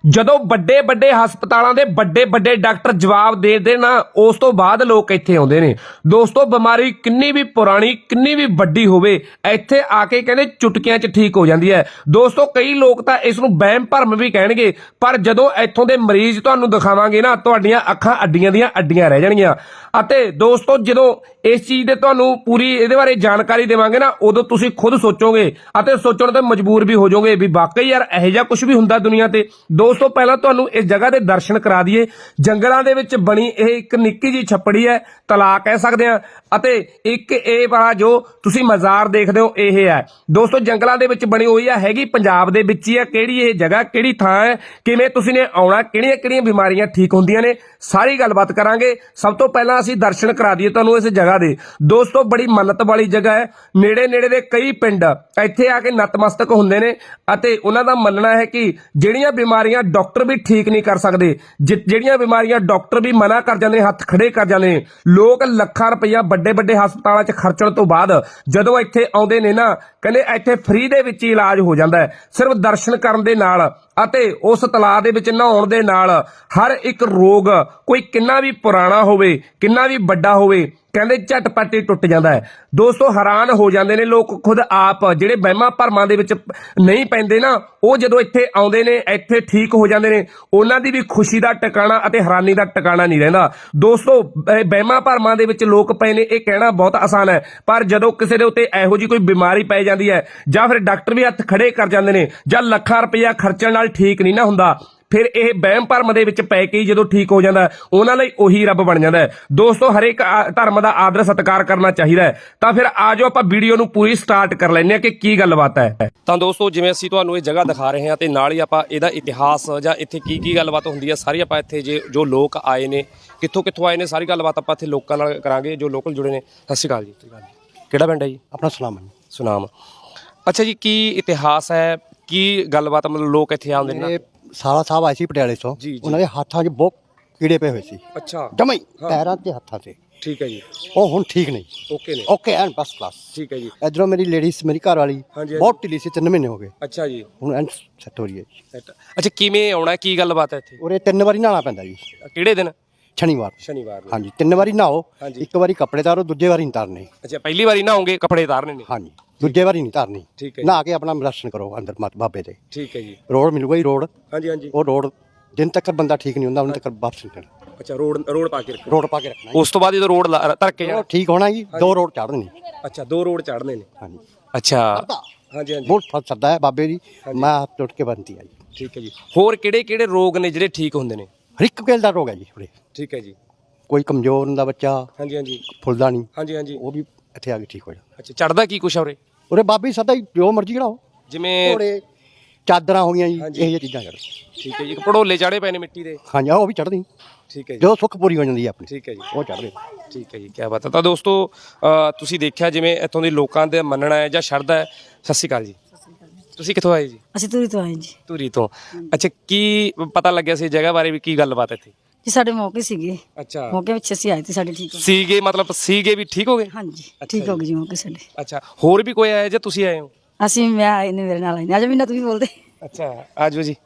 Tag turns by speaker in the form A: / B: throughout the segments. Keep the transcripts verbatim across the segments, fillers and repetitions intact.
A: ਜਦੋਂ ਵੱਡੇ ਵੱਡੇ ਹਸਪਤਾਲਾਂ ਦੇ ਵੱਡੇ ਵੱਡੇ ਡਾਕਟਰ ਜਵਾਬ ਦੇ ਦੇਣ ਉਸ ਤੋਂ ਬਾਅਦ ਲੋਕ ਇੱਥੇ ਆਉਂਦੇ ਨੇ। ਦੋਸਤੋ ਬਿਮਾਰੀ ਕਿੰਨੀ ਵੀ ਪੁਰਾਣੀ ਕਿੰਨੀ ਵੀ ਵੱਡੀ ਹੋਵੇ ਇੱਥੇ ਆ ਕੇ ਕਹਿੰਦੇ ਚੁਟਕੀਆਂ 'ਚ ਠੀਕ ਹੋ ਜਾਂਦੀ ਹੈ। ਦੋਸਤੋ ਕਈ ਲੋਕ ਤਾਂ ਇਸ ਨੂੰ ਵਹਿਮ ਭਰਮ ਵੀ ਕਹਿਣਗੇ, ਪਰ ਜਦੋਂ ਇੱਥੋਂ ਦੇ ਮਰੀਜ਼ ਤੁਹਾਨੂੰ ਦਿਖਾਵਾਂਗੇ ਨਾ ਤੁਹਾਡੀਆਂ ਅੱਖਾਂ ਅੱਡੀਆਂ ਦੀਆਂ ਅੱਡੀਆਂ ਰਹਿ ਜਾਣਗੀਆਂ। ਅਤੇ ਦੋਸਤੋ ਜਦੋਂ ਇਸ ਚੀਜ਼ ਦੇ ਤੁਹਾਨੂੰ ਪੂਰੀ ਇਹਦੇ ਬਾਰੇ ਜਾਣਕਾਰੀ ਦੇਵਾਂਗੇ ਨਾ ਉਦੋਂ ਤੁਸੀਂ ਖੁਦ ਸੋਚੋਗੇ ਅਤੇ ਸੋਚਣ ਤੇ ਮਜਬੂਰ ਵੀ ਹੋ ਜਾਓਗੇ ਵੀ ਵਾਕਈ ਯਾਰ ਇਹੋ ਜਿਹਾ ਕੁਝ ਵੀ ਹੁੰਦਾ ਦੁਨੀਆ ਤੇ। ਦੋਸਤੋ ਪਹਿਲਾਂ ਤੁਹਾਨੂੰ ਇਸ ਜਗ੍ਹਾ ਦੇ ਦਰਸ਼ਨ ਕਰਾ ਦਈਏ। ਜੰਗਲਾਂ ਦੇ ਵਿੱਚ ਬਣੀ ਇਹ ਇੱਕ ਨਿੱਕੀ ਜਿਹੀ ਛੱਪੜੀ ਹੈ, ਤਲਾਅ ਕਹਿ ਸਕਦੇ ਆ, ਅਤੇ ਇੱਕ ਇਹ ਵਾਲਾ ਜੋ ਤੁਸੀਂ ਮਜ਼ਾਰ ਦੇਖਦੇ ਹੋ ਇਹ ਹੈ। ਦੋਸਤੋ ਜੰਗਲਾਂ ਦੇ ਵਿੱਚ ਬਣੀ ਹੋਈ ਹੈ, ਹੈਗੀ ਪੰਜਾਬ ਦੇ ਵਿੱਚ ਹੀ ਹੈ। ਕਿਹੜੀ ਇਹ ਜਗ੍ਹਾ ਕਿਹੜੀ ਥਾਂ ਹੈ, ਕਿਵੇਂ ਤੁਸੀਂ ਨੇ ਆਉਣਾ, ਕਿਹੜੀਆਂ ਕਿਹੜੀਆਂ ਬਿਮਾਰੀਆਂ ਠੀਕ ਹੁੰਦੀਆਂ ਨੇ, ਸਾਰੀ ਗੱਲਬਾਤ ਕਰਾਂਗੇ। ਸਭ ਤੋਂ ਪਹਿਲਾਂ ਅਸੀਂ ਦਰਸ਼ਨ ਕਰਾ ਦਈਏ ਤੁਹਾਨੂੰ ਇਸ ਜਗ੍ਹਾ ਦੇ। ਦੋਸਤੋ ਬੜੀ ਮੰਨਤ ਵਾਲੀ ਜਗ੍ਹਾ ਹੈ। ਨੇੜੇ ਨੇੜੇ ਦੇ ਕਈ ਪਿੰਡ ਇੱਥੇ ਆ ਕੇ ਨਤਮਸਤਕ ਹੁੰਦੇ ਨੇ ਅਤੇ ਉਹਨਾਂ ਦਾ ਮੰਨਣਾ ਹੈ ਕਿ ਜਿਹੜੀਆਂ ਬਿਮਾਰੀਆਂ ਡਾਕਟਰ ਵੀ ਠੀਕ ਨਹੀਂ ਕਰ ਸਕਦੇ, ਜਿਹੜੀਆਂ ਬਿਮਾਰੀਆਂ ਡਾਕਟਰ ਵੀ ਮਨਾ ਕਰ ਜਾਂਦੇ, ਹੱਥ ਖੜੇ ਕਰ ਜਾਂਦੇ ਨੇ, ਲੋਕ ਲੱਖਾਂ ਰੁਪਈਆ ਵੱਡੇ ਵੱਡੇ ਹਸਪਤਾਲਾਂ 'ਚ ਖਰਚਣ ਤੋਂ ਬਾਅਦ ਜਦੋਂ ਇੱਥੇ ਆਉਂਦੇ ਨੇ ਨਾ ਕਹਿੰਦੇ ਇੱਥੇ ਫ੍ਰੀ ਦੇ ਵਿੱਚ ਹੀ ਇਲਾਜ ਹੋ ਜਾਂਦਾ ਹੈ। ਸਿਰਫ ਦਰਸ਼ਨ ਕਰਨ ਦੇ ਨਾਲ ਅਤੇ ਉਸ ਤਲਾਅ ਦੇ ਵਿੱਚ ਨਹਾਉਣ ਦੇ ਨਾਲ ਹਰ ਇੱਕ ਰੋਗ ਕੋਈ ਕਿੰਨਾ ਵੀ ਪੁਰਾਣਾ ਹੋਵੇ ਕਿੰਨਾ ਵੀ ਵੱਡਾ ਹੋਵੇ ਕਹਿੰਦੇ ਝਟਪਟ ਹੀ ਟੁੱਟ ਜਾਂਦਾ ਹੈ। ਦੋਸਤੋ ਹੈਰਾਨ ਹੋ ਜਾਂਦੇ ਨੇ ਲੋਕ ਖੁਦ ਆਪ ਜਿਹੜੇ ਵਹਿਮਾਂ ਭਰਮਾਂ ਦੇ ਵਿੱਚ ਨਹੀਂ ਪੈਂਦੇ ਨਾ, ਉਹ ਜਦੋਂ ਇੱਥੇ ਆਉਂਦੇ ਨੇ ਇੱਥੇ ਠੀਕ ਹੋ ਜਾਂਦੇ ਨੇ। ਉਹਨਾਂ ਦੀ ਵੀ ਖੁਸ਼ੀ ਦਾ ਟਿਕਾਣਾ ਅਤੇ ਹੈਰਾਨੀ ਦਾ ਟਿਕਾਣਾ ਨਹੀਂ ਰਹਿੰਦਾ। ਦੋਸਤੋ ਵਹਿਮਾਂ ਭਰਮਾਂ ਦੇ ਵਿੱਚ ਲੋਕ ਪਏ ਨੇ ਇਹ ਕਹਿਣਾ ਬਹੁਤ ਆਸਾਨ ਹੈ, ਪਰ ਜਦੋਂ ਕਿਸੇ ਦੇ ਉੱਤੇ ਇਹੋ ਜਿਹੀ ਕੋਈ ਬਿਮਾਰੀ ਪੈ ਜਾਂਦੀ ਹੈ ਜਾਂ ਫਿਰ ਡਾਕਟਰ ਵੀ ਹੱਥ ਖੜੇ ਕਰ ਜਾਂਦੇ ਨੇ ਜਾਂ ਲੱਖਾਂ ਰੁਪਈਆ ਖਰਚਣ ਨਾਲ ਠੀਕ ਨਹੀਂ ਨਾ ਹੁੰਦਾ, ਫਿਰ ਇਹ ਵਹਿਮ ਭਰਮ ਦੇ ਵਿੱਚ ਪੈ ਕੇ ਜਦੋਂ ਠੀਕ ਹੋ ਜਾਂਦਾ ਉਹਨਾਂ ਲਈ ਉਹੀ ਰੱਬ ਬਣ ਜਾਂਦਾ ਹੈ। ਦੋਸਤੋ ਹਰੇਕ ਧਰਮ ਦਾ ਆਦਰ ਸਤਿਕਾਰ ਕਰਨਾ ਚਾਹੀਦਾ ਹੈ। ਤਾਂ ਫਿਰ ਆ ਜਾਓ ਆਪਾਂ ਵੀਡੀਓ ਨੂੰ ਪੂਰੀ ਸਟਾਰਟ ਕਰ ਲੈਂਦੇ ਹਾਂ ਕਿ ਕੀ ਗੱਲਬਾਤ ਹੈ। ਤਾਂ ਦੋਸਤੋ ਜਿਵੇਂ ਅਸੀਂ ਤੁਹਾਨੂੰ ਇਹ ਜਗ੍ਹਾ ਦਿਖਾ ਰਹੇ ਹਾਂ ਤੇ ਨਾਲ ਹੀ ਆਪਾਂ ਇਹਦਾ ਇਤਿਹਾਸ ਜਾਂ ਇੱਥੇ ਕੀ ਕੀ ਗੱਲਬਾਤ ਹੁੰਦੀ ਹੈ ਸਾਰੀ ਆਪਾਂ ਇੱਥੇ ਜੇ ਜੋ ਲੋਕ ਆਏ ਨੇ ਕਿੱਥੋਂ ਕਿੱਥੋਂ ਆਏ ਨੇ ਸਾਰੀ ਗੱਲਬਾਤ ਆਪਾਂ ਇੱਥੇ ਲੋਕਾਂ ਨਾਲ ਕਰਾਂਗੇ ਜੋ ਲੋਕਲ ਜੁੜੇ ਨੇ। ਸਤਿ ਸ਼੍ਰੀ ਅਕਾਲ ਜੀ। ਕਿਹੜਾ ਪਿੰਡ ਹੈ ਜੀ?
B: ਆਪਣਾ ਸੁਨਾਮ ਹੈ।
A: ਸੁਨਾਮ। ਅੱਛਾ ਜੀ, ਕੀ ਇਤਿਹਾਸ ਹੈ, ਕੀ ਗੱਲਬਾਤ ਮਤਲਬ ਲੋਕ ਇੱਥੇ ਆਉਂਦੇ ਨੇ?
B: ਸਾਲਾ ਸਾਹਿਬ ਆਏ ਸੀ ਪਟਿਆਲੇ ਤੋਂ, ਉਹਨਾਂ ਦੇ ਹੱਥਾਂ 'ਚ ਬਹੁਤ ਕੀੜੇ ਪਏ ਹੋਏ ਸੀ।
A: ਅੱਛਾ।
B: ਜਮਾਈ ਪੈਰਾਂ ਤੇ ਹੱਥਾਂ ਤੇ।
A: ਠੀਕ ਹੈ ਜੀ।
B: ਉਹ ਹੁਣ ਠੀਕ ਨਹੀਂ,
A: ਓਕੇ ਨੇ,
B: ਓਕੇ ਐਨ ਫਸਟ ਕਲਾਸ।
A: ਠੀਕ ਹੈ ਜੀ।
B: ਇਧਰੋਂ ਮੇਰੀ ਲੇਡੀਜ਼ ਮੇਰੀ ਘਰ ਵਾਲੀ ਬਹੁਤ ਢਿੱਲੀ ਸੀ, ਤਿੰਨ ਮਹੀਨੇ ਹੋ ਗਏ।
A: ਅੱਛਾ ਜੀ।
B: ਹੁਣ ਐਨ ਸੈੱਟ ਹੋ ਰਹੀ ਹੈ।
A: ਅੱਛਾ ਕਿਵੇਂ ਆਉਣਾ, ਕੀ ਗੱਲਬਾਤ ਹੈ ਇੱਥੇ?
B: ਉਰੇ ਤਿੰਨ ਵਾਰੀ ਨਹਾਉਣਾ ਪੈਂਦਾ ਜੀ।
A: ਕਿਹੜੇ ਦਿਨ?
B: ਸ਼ਨੀਵਾਰ।
A: ਸ਼ਨੀਵਾਰ।
B: ਹਾਂਜੀ ਤਿੰਨ ਵਾਰੀ ਨਹਾਓ, ਇੱਕ ਵਾਰੀ ਕੱਪੜੇ ਤਾਰੋ, ਦੂਜੇ ਵਾਰੀ ਨਹੀਂ ਤਾਰਨੇ।
A: ਅੱਛਾ ਪਹਿਲੀ ਵਾਰੀ ਨਹਾਓਗੇ ਕੱਪੜੇ ਤਾਰਨੇ ਨੇ?
B: ਹਾਂਜੀ ਦੂਜੇ ਵਾਰੀ ਨਹੀਂ ਤਾਰਨੀ।
A: ਠੀਕ ਹੈ।
B: ਨਹਾ ਕੇ ਆਪਣਾ ਦਰਸ਼ਨ ਕਰੋ ਅੰਦਰ ਬਾਬੇ ਦੇ।
A: ਠੀਕ ਹੈ ਜੀ।
B: ਰੋਡ ਮਿਲੂਗਾ ਜੀ, ਰੋਡ।
A: ਹਾਂਜੀ ਹਾਂਜੀ।
B: ਉਹ ਰੋਡ ਜਿੰਨ ਤੱਕ ਬੰਦਾ ਠੀਕ ਨਹੀਂ ਹੁੰਦਾ ਉਹਨਾਂ ਤੱਕ ਵਾਪਸ ਨਹੀਂ ਕਰਨਾ।
A: ਅੱਛਾ ਰੋਡ ਰੋਡ ਪਾ ਕੇ ਰੱਖਣਾ।
B: ਰੋਡ ਪਾ ਕੇ ਰੱਖਣਾ।
A: ਉਸ ਤੋਂ ਬਾਅਦ ਜਦੋਂ ਰੋਡ ਧਰ ਕੇ ਜਾਣਾ
B: ਠੀਕ ਹੋਣਾ ਜੀ, ਦੋ ਰੋਡ ਚੜ੍ਹ ਦੇਣੇ।
A: ਅੱਛਾ ਦੋ ਰੋਡ ਚੜ੍ਹਨੇ ਨੇ।
B: ਹਾਂਜੀ।
A: ਅੱਛਾ ਹਾਂਜੀ ਹਾਂਜੀ।
B: ਬਹੁਤ ਸਰਦਾ ਹੈ ਬਾਬੇ ਦੀ, ਮੈਂ ਹੱਥ ਟੁੱਟ ਕੇ ਬੰਨਤੀ ਆ ਜੀ।
A: ਠੀਕ ਹੈ ਜੀ। ਹੋਰ ਕਿਹੜੇ ਕਿਹੜੇ ਰੋਗ ਨੇ ਜਿਹੜੇ ਠੀਕ ਹੁੰਦੇ ਨੇ?
B: ਹਰ ਇੱਕ ਕਿਲ ਦਾ ਰੋਗ ਹੈ ਜੀ ਉਰੇ।
A: ਠੀਕ ਹੈ ਜੀ।
B: ਕੋਈ ਕਮਜ਼ੋਰ ਹੁੰਦਾ ਬੱਚਾ,
A: ਹਾਂਜੀ ਹਾਂਜੀ,
B: ਫੁੱਲਦਾ ਨਹੀਂ,
A: ਹਾਂਜੀ ਹਾਂਜੀ,
B: ਉਹ ਵੀ ਇੱਥੇ ਆ ਕੇ ਠੀਕ ਹੋ ਜਾਂਦਾ।
A: ਅੱਛਾ ਚੜਦਾ ਕੀ ਕੁਛ ਆ ਉਰੇ?
B: ਉਰੇ ਬਾਬੇ ਸਦਾ ਹੀ ਜੋ ਮਰਜ਼ੀ ਚੜਾਓ,
A: ਜਿਵੇਂ
B: ਘੋੜੇ ਚਾਦਰਾਂ ਹੋ ਗਈਆਂ ਜੀ, ਇਹ ਜਿਹੀਆਂ ਚੀਜ਼ਾਂ ਚੜ੍ਹ।
A: ਠੀਕ ਹੈ ਜੀ। ਇੱਕ ਭੜੋਲੇ ਚਾੜੇ ਪਏ ਨੇ ਮਿੱਟੀ ਦੇ।
B: ਹਾਂਜੀ ਉਹ ਵੀ ਚੜ੍ਹਦੀ।
A: ਠੀਕ ਹੈ ਜੀ।
B: ਜਦੋਂ ਸੁੱਖ ਪੂਰੀ ਹੋ ਜਾਂਦੀ ਹੈ ਆਪਣੀ।
A: ਠੀਕ ਹੈ ਜੀ।
B: ਉਹ ਚੜ੍ਹਦੇ।
A: ਠੀਕ ਹੈ ਜੀ, ਕੀ ਬਾਤ ਹੈ। ਤਾਂ ਦੋਸਤੋ ਤੁਸੀਂ ਦੇਖਿਆ ਜਿਵੇਂ ਇੱਥੋਂ ਦੇ ਲੋਕਾਂ ਦਾ ਮੰਨਣਾ ਹੈ ਜਾਂ ਸ਼ਰਧਾ ਹੈ। ਸਤਿ ਸ਼੍ਰੀ ਅਕਾਲ ਜੀ। ਤੁਸੀਂ ਕਿੱਥੋਂ ਆਏ ਜੀ?
C: ਅਸੀਂ ਧੂਰੀ ਤੋਂ ਆਏ ਜੀ।
A: ਧੂਰੀ ਤੋਂ। ਅੱਛਾ ਕੀ ਪਤਾ ਲੱਗਿਆ ਸੀ ਜਗ੍ਹਾ ਬਾਰੇ ਵੀ, ਕੀ ਗੱਲਬਾਤ ਇੱਥੇ?
C: ਜੀ ਸਾਡੇ ਮੌਕੇ ਸੀਗੇ।
A: ਅੱਛਾ
C: ਮੌਕੇ ਵਿੱਚ ਅਸੀਂ ਆਏ ਤੇ ਸਾਡੇ ਠੀਕ ਹੋ ਗਏ।
A: ਸੀਗੇ ਮਤਲਬ ਸੀਗੇ ਵੀ ਠੀਕ ਹੋ ਗਏ?
C: ਹਾਂਜੀ ਠੀਕ ਹੋ ਗਏ ਜੀ ਮੌਕੇ ਸਾਡੇ।
A: ਅੱਛਾ ਹੋਰ ਵੀ ਕੋਈ ਆਇਆ ਜਾਂ ਤੁਸੀਂ ਆਏ ਹੋ?
C: ਅਸੀਂ ਮੈਂ ਆਏ ਨੇ, ਮੇਰੇ ਨਾਲ ਆਏ ਨੇ। ਅੱਜ ਵੀ ਨਾ ਤੁਸੀਂ ਬੋਲਦੇ।
A: ਅੱਛਾ ਆਜੋ ਜੀ।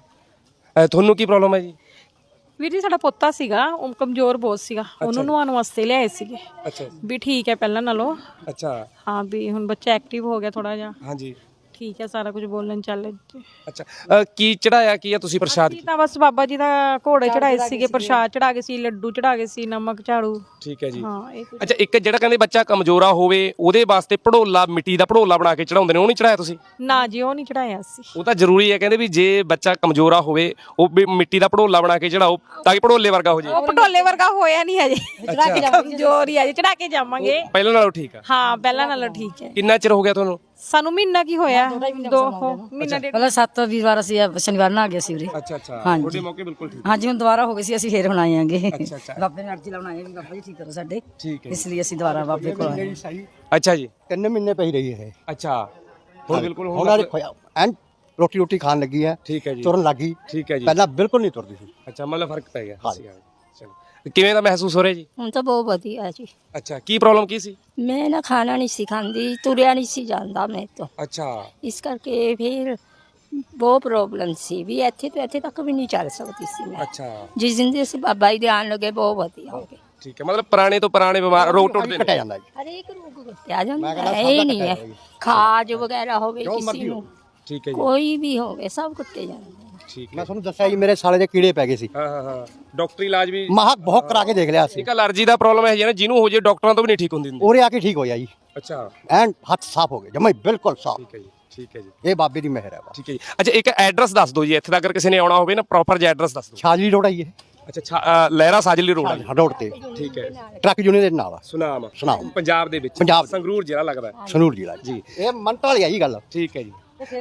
A: ਤੁਹਾਨੂੰ ਕੀ ਪ੍ਰੋਬਲਮ ਹੈ ਜੀ?
D: ਵੀਰ ਜੀ ਸਾਡਾ ਪੋਤਾ ਸੀਗਾ, ਉਹ ਕਮਜ਼ੋਰ ਬਹੁਤ ਸੀਗਾ, ਉਹਨੂੰ ਨਵਾਉਣ ਵਾਸਤੇ ਲਿਆਏ ਸੀਗੇ।
A: ਅੱਛਾ
D: ਵੀ ਠੀਕ ਹੈ ਪਹਿਲਾਂ ਨਾਲੋਂ।
A: ਅੱਛਾ
D: ਹਾਂ ਵੀ ਹੁਣ ਬੱਚਾ ਐਕਟਿਵ ਹੋ ਗਿਆ ਥੋੜਾ ਜਿਹਾ।
A: ਹਾਂਜੀ
D: ਠੀਕ ਹੈ, ਸਾਰਾ ਕੁਝ ਬੋਲਣ ਚੱਲ।
A: ਅੱਛਾ ਕੀ ਚੜਾਇਆ ਕੀ ਆ ਤੁਸੀਂ ਪ੍ਰਸ਼ਾਦ?
D: ਜੀ ਤਾਂ ਬਸ ਬਾਬਾ ਜੀ ਦਾ ਘੋੜੇ ਚੜਾਏ ਸੀਗੇ, ਪ੍ਰਸ਼ਾਦ ਚੜਾ ਗਏ ਸੀ, ਲੱਡੂ ਚੜਾ ਗਏ ਸੀ, ਨਮਕ ਝਾੜੂ।
A: ਠੀਕ ਹੈ ਜੀ।
D: ਹਾਂ ਇਹ ਕੁਝ।
A: ਅੱਛਾ ਇੱਕ ਜਿਹੜਾ ਕਹਿੰਦੇ ਬੱਚਾ ਕਮਜ਼ੋਰਾ ਹੋਵੇ ਉਹਦੇ ਵਾਸਤੇ ਭੜੋਲਾ, ਮਿੱਟੀ ਦਾ ਭੜੋਲਾ ਬਣਾ ਕੇ ਚੜਾਉਂਦੇ ਨੇ, ਉਹ ਨਹੀਂ ਚੜਾਇਆ ਤੁਸੀਂ?
D: ਨਾ ਜੀ ਉਹ ਨਹੀਂ ਚੜਾਇਆ ਸੀ।
A: ਉਹ ਤਾਂ ਜ਼ਰੂਰੀ ਹੈ, ਕਹਿੰਦੇ ਵੀ ਜੇ ਬੱਚਾ ਕਮਜ਼ੋਰਾ ਹੋਵੇ ਉਹ ਵੀ ਮਿੱਟੀ ਦਾ ਭੜੋਲਾ ਬਣਾ ਕੇ ਚੜਾਓ ਤਾਂ ਕਿ ਭੜੋਲੇ ਵਰਗਾ ਹੋ ਜਾਏ।
D: ਉਹ ਪਟੋਲੇ ਵਰਗਾ ਹੋਇਆ ਨਹੀਂ ਹਜੇ, ਕਮਜ਼ੋਰ ਹੀ ਆ ਜੀ, ਚੜਾ ਕੇ ਜਾਵਾਂਗੇ।
A: ਪਹਿਲਾਂ ਨਾਲੋਂ ਠੀਕ ਆ?
D: ਹਾਂ ਪਹਿਲਾਂ ਨਾਲੋਂ ਠੀਕ ਹੈ।
A: ਕਿੰਨਾ ਚਿਰ ਹੋ ਗਿਆ ਤੁਹਾਨੂੰ?
D: ਸਾਨੂੰ ਮਹੀਨਾ ਕੀ ਹੋਇਆ, ਦੋ ਮਹੀਨਾ ਡੇਢ।
C: ਪਹਿਲਾਂ ਸੱਤ ਵੀਰਵਾਰ ਅਸੀਂ ਸ਼ਨੀਵਾਰ ਨਾ ਆ ਗਏ ਸੀ ਉਰੇ।
A: ਅੱਛਾ ਅੱਛਾ।
C: ਹਾਂਜੀ।
A: ਤੁਹਾਡੇ ਮੌਕੇ ਬਿਲਕੁਲ ਠੀਕ।
C: ਹਾਂਜੀ ਹੁਣ ਦੁਬਾਰਾ ਹੋ ਗਏ ਸੀ, ਅਸੀਂ ਫੇਰ ਹੁਣ ਆਏ ਆਂਗੇ।
A: ਅੱਛਾ ਅੱਛਾ।
C: ਬਾਬੇ ਨੇ ਅਰਜੀ ਲਾਉਣ ਆਏ ਵੀ ਬਾਬਾ ਜੀ ਠੀਕ ਕਰੋ ਸਾਡੇ,
A: ਠੀਕ ਹੈ।
C: ਇਸ ਲਈ ਅਸੀਂ ਦੁਬਾਰਾ ਬਾਬੇ ਕੋਲ ਆਏ।
A: ਅੱਛਾ ਜੀ।
B: ਤਿੰਨ ਮਹੀਨੇ ਪਈ ਰਹੀ ਹੈ।
A: ਅੱਛਾ ਹੁਣ ਬਿਲਕੁਲ
B: ਉਹਨਾਂ ਦੇ ਐਨ ਰੋਟੀ ਰੋਟੀ ਖਾਣ ਲੱਗੀ ਹੈ।
A: ਠੀਕ ਹੈ ਜੀ।
B: ਤੁਰਨ ਲੱਗੀ।
A: ਠੀਕ ਹੈ ਜੀ।
B: ਪਹਿਲਾਂ ਬਿਲਕੁਲ ਨਹੀਂ ਤੁਰਦੀ ਸੀ।
A: ਅੱਛਾ ਮਤਲਬ ਫਰਕ ਪੈ ਗਿਆ। ਚਲੋ ਕਿਵੇਂ ਦਾ ਮਹਿਸੂਸ ਹੋ ਰਿਹਾ ਜੀ?
E: ਹੁਣ ਤਾਂ ਬਹੁਤ ਵਧੀਆ ਜੀ।
A: ਅੱਛਾ ਕੀ ਪ੍ਰੋਬਲਮ ਕੀ ਸੀ?
E: ਮੈਂ ਨਾ ਖਾਣਾ ਨਹੀਂ ਸੀ ਖਾਂਦੀ, ਤੁਰਿਆ ਨਹੀਂ ਸੀ ਜਾਂਦਾ ਮੈਂ ਤੋਂ।
A: ਅੱਛਾ
E: ਇਸ ਕਰਕੇ ਫਿਰ ਬਹੁਤ ਪ੍ਰੋਬਲਮ ਸੀ ਵੀ ਇੱਥੇ ਤੋਂ ਇੱਥੇ ਤੱਕ ਵੀ ਨਹੀਂ ਚੱਲ ਸਕਦੀ ਸੀ ਮੈਂ
A: ਅੱਛਾ
E: ਜਿਸ ਦਿਨ ਦੇ ਅਸੀਂ ਬਾਬਾ ਜੀ ਦੇ ਆਉਣ ਲੱਗੇ ਬਹੁਤ ਵਧੀਆ ਹੋ ਗਏ
A: ਠੀਕ ਹੈ, ਮਤਲਬ ਪੁਰਾਣੇ ਤੋਂ ਪੁਰਾਣੇ ਬਿਮਾਰ ਰੋਗ ਟੁੱਟਦੇ
B: ਕੱਟਿਆ
A: ਨੇ।
B: ਜਾਂਦਾ ਜੀ।
E: ਹਰੇਕ ਰੋਗ ਕੱਟਿਆ ਜਾਂਦਾ ਹੈ, ਇਹ ਨਹੀਂ ਹੈ ਖਾਜ ਵਗੈਰਾ ਹੋਵੇ ਕਿਸੇ ਨੂੰ
A: ਠੀਕ ਹੈ ਜੀ,
E: ਕੋਈ ਵੀ ਹੋਵੇ ਸਭ ਕੱਟੇ ਜਾਂਦੇ ਨੇ।
A: ਠੀਕ ਹੈ।
B: ਮੈਂ ਤੁਹਾਨੂੰ ਦੱਸਿਆ ਜੀ ਮੇਰੇ ਸਾਲੇ ਦੇ ਕੀੜੇ ਪੈ ਗਏ ਸੀ।
A: ਹਾਂ ਹਾਂ ਹਾਂ ਡਾਕਟਰੀ ਇਲਾਜ ਵੀ
B: ਮਾਹ ਬਹੁਤ ਕਰਾ ਕੇ ਦੇਖ ਲਿਆ ਸੀ।
A: ਠੀਕ ਹੈ। ਅਲਰਜੀ ਦਾ ਪ੍ਰੋਬਲਮ ਹੈ ਜੀ ਨਾ, ਜਿਹਨੂੰ ਹੋ ਜੇ ਡਾਕਟਰਾਂ ਤੋਂ ਵੀ ਨਹੀਂ ਠੀਕ ਹੁੰਦੀ ਹੁੰਦੀ।
B: ਉਰੇ ਆ ਕੇ ਠੀਕ ਹੋਇਆ ਜੀ।
A: ਅੱਛਾ
B: ਐਨ ਹੱਥ ਸਾਫ਼ ਹੋ ਗਏ ਜਮਾ ਹੀ ਬਿਲਕੁਲ ਸਾਫ਼।
A: ਠੀਕ ਹੈ ਜੀ, ਠੀਕ ਹੈ ਜੀ,
B: ਇਹ ਬਾਬੇ ਦੀ ਮਿਹਰ ਹੈ। ਬਸ
A: ਠੀਕ ਹੈ ਜੀ। ਅੱਛਾ ਇੱਕ ਐਡਰੈਸ ਦੱਸ ਦਿਓ ਜੀ, ਇੱਥੇ ਦਾ ਅਗਰ ਕਿਸੇ ਨੇ ਆਉਣਾ ਹੋਵੇ ਨਾ ਪ੍ਰੋਪਰ ਜਿਹਾ ਐਡਰੈਸ ਦੱਸ ਦਿਓ।
B: ਛਾਜਲੀ ਰੋਡ ਆਈ ਇਹ
A: ਅੱਛਾ ਛਾ- ਅ, ਲਹਿਰਾ ਸਾਜਲੀ ਰੋਡ ਹੈ।
B: ਰੋਡ ਤੇ
A: ਠੀਕ ਹੈ।
B: ਟਰੱਕ ਯੂਨੀਅਨ ਦੇ ਨਾਲ ਆ,
A: ਸੁਨਾਮ
B: ਸੁਨਾਮ।
A: ਪੰਜਾਬ ਦੇ ਵਿੱਚ
B: ਪੰਜਾਬ।
A: ਸੰਗਰੂਰ ਜ਼ਿਲ੍ਹਾ ਲੱਗਦਾ ਹੈ।
B: ਸੰਗਰੂਰ ਜ਼ਿਲ੍ਹਾ ਜੀ। ਇਹ ਮੰਤ ਵਾਲੀ ਆ ਜੀ ਗੱਲ।
A: ਠੀਕ ਹੈ ਜੀ।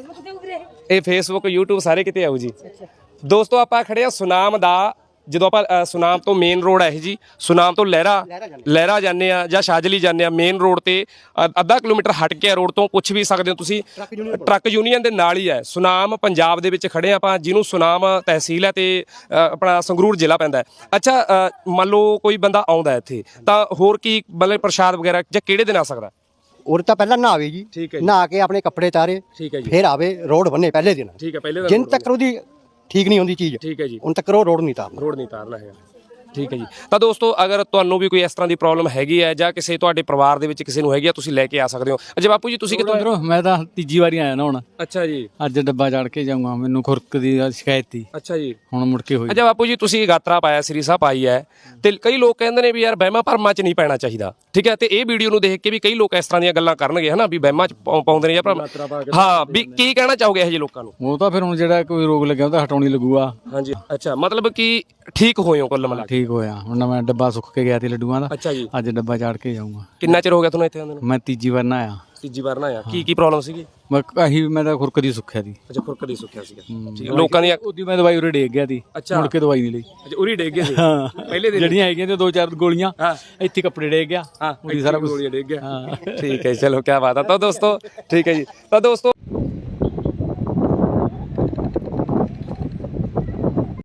A: ਇਹ ਫੇਸਬੁੱਕ YouTube ਸਾਰੇ ਕਿਤੇ ਆਊ ਜੀ। ਦੋਸਤੋ ਆਪਾਂ ਖੜੇ ਆ ਸੁਨਾਮ ਦਾ, ਜਦੋਂ ਆਪਾਂ ਅ, ਸੁਨਾਮ ਤੋਂ ਮੇਨ ਰੋਡ ਹੈ ਇਹ ਜੀ, ਸੁਨਾਮ ਤੋਂ ਲਹਿਰਾ ਲਹਿਰਾ ਜਾਂਦੇ ਆ ਜਾਂ ਸ਼ਾਜਲੀ ਜਾਂਦੇ ਆ, ਮੇਨ ਰੋਡ ਤੇ ਅ, ਅੱਧਾ ਕਿਲੋਮੀਟਰ ਹਟ ਕੇ ਰੋਡ ਤੋਂ ਪੁੱਛ ਵੀ ਸਕਦੇ ਹੋ ਤੁਸੀਂ। ਟਰੱਕ ਯੂਨੀਅਨ ਦੇ ਨਾਲ ਹੀ ਹੈ ਸੁਨਾਮ, ਪੰਜਾਬ ਦੇ ਵਿੱਚ ਖੜੇ ਆ ਆਪਾਂ, ਜਿਹਨੂੰ ਸੁਨਾਮ ਤਹਿਸੀਲ ਹੈ ਤੇ ਅ, ਆਪਣਾ ਸੰਗਰੂਰ ਜ਼ਿਲ੍ਹਾ ਪੈਂਦਾ ਹੈ। ਅੱਛਾ ਅ, ਮੰਨ ਲਓ ਕੋਈ ਬੰਦਾ ਆਉਂਦਾ ਇੱਥੇ ਤਾਂ ਹੋਰ ਕੀ ਮਤਲਬ ਪ੍ਰਸ਼ਾਦ ਵਗੈਰਾ ਜਾਂ ਕਿਹੜੇ ਦਿਨ ਆ ਸਕਦਾ?
B: ਉਰੇ ਤਾਂ ਪਹਿਲਾਂ ਨਹਾਵੇ ਜੀ,
A: ਠੀਕ ਹੈ ਜੀ।
B: ਨਹਾ ਕੇ ਆਪਣੇ ਕੱਪੜੇ ਤਾਰੇ,
A: ਠੀਕ ਹੈ ਜੀ,
B: ਫਿਰ ਆਵੇ ਰੋਡ ਬੰਨੇ ਪਹਿਲੇ ਦਿਨ।
A: ਠੀਕ ਹੈ। ਪਹਿਲੇ ਦਿਨ
B: ਜਿੰਨ ਤੱਕ ਉਹਦੀ ਠੀਕ ਨਹੀਂ ਹੁੰਦੀ ਚੀਜ਼,
A: ਠੀਕ ਹੈ ਜੀ,
B: ਉਨ ਤੱਕ ਉਹ ਰੋਡ ਨਹੀਂ ਤਾਰਨਾ।
A: ਰੋਡ ਨਹੀਂ ਤਾਰਨਾ ਹੈਗਾ। ਠੀਕ ਹੈ ਜੀ। ਤਾਂ ਦੋਸਤੋ ਅਗਰ ਤੁਹਾਨੂੰ ਵੀ ਕੋਈ ਇਸ ਤਰ੍ਹਾਂ ਦੀ ਪ੍ਰੋਬਲਮ ਹੈਗੀ ਹੈ ਜਾਂ ਕਿਸੇ ਤੁਹਾਡੇ ਪਰਿਵਾਰ ਦੇ ਵਿੱਚ ਕਿਸੇ ਨੂੰ ਹੈਗੀ ਆ, ਤੁਸੀਂ ਲੈ ਕੇ ਆ ਸਕਦੇ ਹੋ। ਅਜੇ ਬਾਪੂ ਜੀ ਤੁਸੀਂ ਕਿੱਥੋਂ?
F: ਅੰਦਰੋਂ ਮੈਂ ਤਾਂ ਤੀਜੀ ਵਾਰੀ ਆਇਆ ਨਾ ਹੁਣ।
A: ਅੱਛਾ ਜੀ,
F: ਅੱਜ ਡੱਬਾ ਚੜ ਕੇ ਜਾਊਂਗਾ, ਮੈਨੂੰ ਖੁਰਕ ਦੀ ਸ਼ਿਕਾਇਤ ਸੀ,
A: ਅੱਛਾ ਜੀ।
F: ਹੁਣ ਮੁੜ ਕੇ ਹੋਈ।
A: ਅੱਛਾ ਬਾਪੂ ਜੀ ਤੁਸੀਂ ਗਾਤਰਾ ਪਾਇਆ, ਸ੍ਰੀ ਸਾਹਿਬ ਪਾਈ ਹੈ, ਤੇ ਕਈ ਲੋਕ ਕਹਿੰਦੇ ਨੇ ਵੀ ਯਾਰ ਵਹਿਮਾਂ ਭਰਮਾਂ 'ਚ ਨਹੀਂ ਪੈਣਾ ਚਾਹੀਦਾ। ਠੀਕ ਹੈ, ਤੇ ਇਹ ਵੀਡੀਓ ਨੂੰ ਦੇਖ ਕੇ ਵੀ ਕਈ ਲੋਕ ਇਸ ਤਰ੍ਹਾਂ ਦੀਆਂ ਗੱਲਾਂ ਕਰਨਗੇ ਹਨਾ, ਵੀ ਵਹਿਮਾਂ 'ਚ ਪਾਉ- ਪਾਉਂਦੇ ਨੇ ਜਾਂ ਭਰਮ। ਹਾਂ, ਵੀ ਕੀ ਕਹਿਣਾ ਚਾਹੋਗੇ ਇਹੋ ਜਿਹੇ ਲੋਕਾਂ ਨੂੰ?
F: ਉਹ ਤਾਂ ਫਿਰ ਹੁਣ ਜਿਹੜਾ ਕੋਈ ਰੋਗ ਲੱਗਿਆ ਉਹਦਾ ਹਟਾਉਣੀ ਲੱਗੂਗਾ।
A: ਹਾਂਜੀ। ਅੱਛਾ ਮਤਲਬ ਕਿ ਠੀਕ ਹੋਏ ਹੋ ਕੁੱਲ ਮਿਲਾ ਕੇ?
F: ਠੀਕ ਹੋਇਆ। ਹੁਣ ਮੈਂ ਡੱਬਾ ਸੁੱਕ ਕੇ ਗਿਆ ਸੀ ਲੱਡੂਆਂ ਦਾ,
A: ਅੱਛਾ ਜੀ।
F: ਅੱਜ ਡੱਬਾ ਚਾੜ ਕੇ ਜਾਊਂਗਾ।
A: ਕਿੰਨਾ ਚਿਰ ਹੋ ਗਿਆ ਤੁਹਾਨੂੰ ਇੱਥੇ ਆਉਂਦੇ ਨੂੰ?
F: ਮੈਂ ਤੀਜੀ ਵਾਰ ਨਾ ਆਇਆ।
A: ਤੀਜੀ ਵਾਰ ਨਾ ਆਇਆ। ਕੀ ਕੀ ਪ੍ਰੋਬਲਮ ਸੀਗੀ?
F: ਮੈਂ ਆਹੀ ਮੈਂ ਤਾਂ ਖੁਰਕ ਦੀ ਸੁੱਖਿਆ ਸੀ।
A: ਅੱਛਾ ਖੁਰਕ ਦੀ ਸੁੱਕਿਆ ਸੀਗਾ। ਠੀਕ ਹੈ। ਲੋਕਾਂ ਦੀਆਂ
F: ਉਹਦੀ ਮੈਂ ਦਵਾਈ ਉਰੇ ਡੇਗ ਗਿਆ ਸੀ,
A: ਅੱਛਾ।
F: ਮੁੜ ਕੇ ਦਵਾਈ ਨਹੀਂ ਲਈ।
A: ਅੱਛਾ ਉਰੀ ਡੇਗ ਗਏ ਸੀ
F: ਹਾਂ,
A: ਪਹਿਲੇ ਦਿਨ?
F: ਜਿਹੜੀਆਂ ਹੈਗੀਆਂ ਤੇ ਦੋ ਚਾਰ ਗੋਲੀਆਂ,
A: ਹਾਂ।
F: ਇੱਥੇ ਕੱਪੜੇ ਡੇਗ ਗਿਆ।
A: ਹਾਂ
F: ਉਹਦੀ ਸਾਰਾ ਕੁਝ
A: ਗੋਲੀਆਂ ਡੇਗ ਗਿਆ।
F: ਹਾਂ।
A: ਠੀਕ ਹੈ, ਚਲੋ ਕੀ ਬਾਤ ਹੈ। ਤਾਂ ਦੋਸਤੋ ਠੀਕ ਹੈ ਜੀ। ਤਾਂ ਦੋਸਤੋ